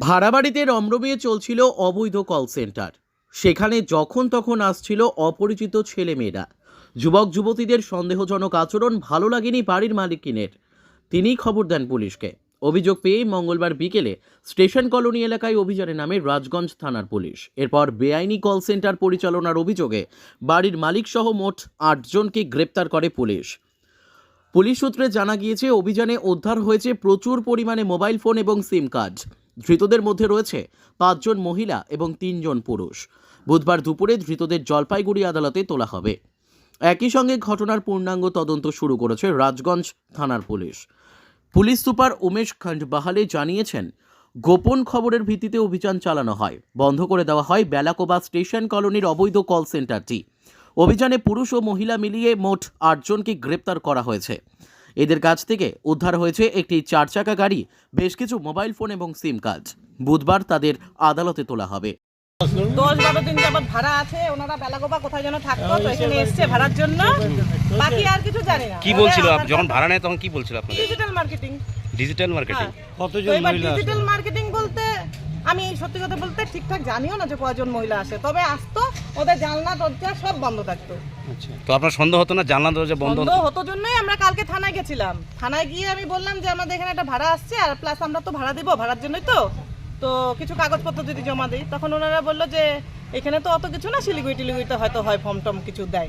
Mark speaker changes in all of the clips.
Speaker 1: ভাড়া বাড়িতে রমরমিয়ে চলছিল অবৈধ কল সেন্টার। সেখানে যখন তখন আসছিল অপরিচিত ছেলেমেয়েরা। যুবক যুবতীদের সন্দেহজনক আচরণ ভালো লাগেনি বাড়ির মালিকিনের। তিনিই খবর দেন পুলিশকে। অভিযোগ পেয়ে মঙ্গলবার বিকেলে স্টেশন কলোনি এলাকায় অভিযানে নামে রাজগঞ্জ থানার পুলিশ। এরপর বেআইনি কল সেন্টার পরিচালনার অভিযোগে বাড়ির মালিক সহ মোট ৮ জনকে গ্রেপ্তার করে পুলিশ। পুলিশ সূত্রে জানা গিয়েছে, অভিযানে উদ্ধার হয়েছে প্রচুর পরিমাণে মোবাইল ফোন এবং সিম কার্ড। ধৃতদের মধ্যে রয়েছে ৫ জন মহিলা এবং ৩ জন পুরুষ। বুধবার দুপুরে ধৃতদের জলপাইগুড়ি আদালতে তোলা হবে। একই সঙ্গে ঘটনার পূর্ণাঙ্গ তদন্ত শুরু করেছে রাজগঞ্জ থানার police. Police super Umesh Khandbahale জানিয়েছেন, গোপন খবরের ভিত্তিতে অভিযান চালানো হয়। বন্ধ করে দেওয়া হয় বেলাকোবা স্টেশন কলোনির অবৈধ কল সেন্টারটি। অভিযানে পুরুষ ও মহিলা মিলিয়ে মোট ৮ জনকে গ্রেপ্তার করা হয়েছে। এদের কাছ থেকে উদ্ধার হয়েছে একটি ৪ চাকা গাড়ি, বেশ কিছু মোবাইল ফোন এবং সিম কার্ড। বুধবার তাদের আদালতে তোলা হবে।
Speaker 2: 10-12 দিন যাবত ভাড়া আছে, ওনারা বেলাগোবা কোথায় যেন থাকতো, তো এখানে এসছে ভাড়ার জন্য। বাকি আর কিছু জানি না।
Speaker 3: কি বলছিল যখন ভাড়া নেয় তখন কি বলছিল আপনাদের?
Speaker 2: Digital marketing.
Speaker 3: ডিজিটাল মার্কেটিং
Speaker 2: কতজন মহিলা? ডিজিটাল মার্কেটিং বলতে আমি সত্যি কথা বলতে ঠিকঠাক জানিও না যে কয়জন মহিলা আসে, তবে আসতো, ওদের জানলা দরজা সব বন্ধ থাকতো।
Speaker 3: আচ্ছা, তো আপনার সন্দেহ হতো না জানলা দরজা বন্ধ
Speaker 2: হতো জন্যই আমরা কালকে থানায় গেছিলাম। থানায় গিয়ে আমি বললাম যে আমাদের এখানে একটা ভাড়া আসছে, আর প্লাস আমরা তো ভাড়া দিব, ভাড়ার জন্যই তো কিছু কাগজপত্র যদি জমা দিই। তখন ওনারা বললো যে এখানে তো অত কিছু না, শিলিগুড়িতে হয়তো হয় ফর্ম টম কিছু দেয়।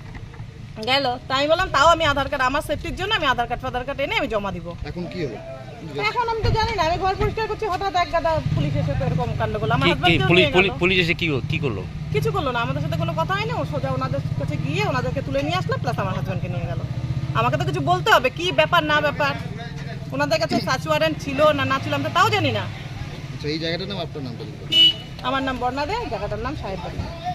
Speaker 2: গেল, তাই আমি বললাম তাও আমি আধার কার্ড, আমার সেফটির জন্য আমি আধার কার্ড এনে আমি জমা দিব।
Speaker 4: এখন কি হলো?
Speaker 2: এখন আমি তো জানি না, আমি ঘর পরিষ্কার করছি, হঠাৎ এক গাদা পুলিশ এসে তো এরকম কাণ্ড করলো। আমার
Speaker 3: পুলিশ এসে কি করলো?
Speaker 2: কিছু করলো না, আমাদের সাথে কোনো কথা হয়নি। ও সোজা ওনাদের কাছে গিয়ে ওনাদেরকে তুলে নিয়ে আসলো, প্লাস আমার হাজব্যান্ডকে নিয়ে গেল। আমাকে তো কিছু বলতে হবে, কি ব্যাপার না ব্যাপার। ওনাদের কাছে সার্চ ওয়ারেন্ট ছিল না ছিল আমরা তাও জানি না।
Speaker 4: আচ্ছা, এই জায়গাটার নাম আপনার নামটা?
Speaker 2: আমার নাম বর্ণা দে, জায়গাটার নাম সাহেব বাড়ি।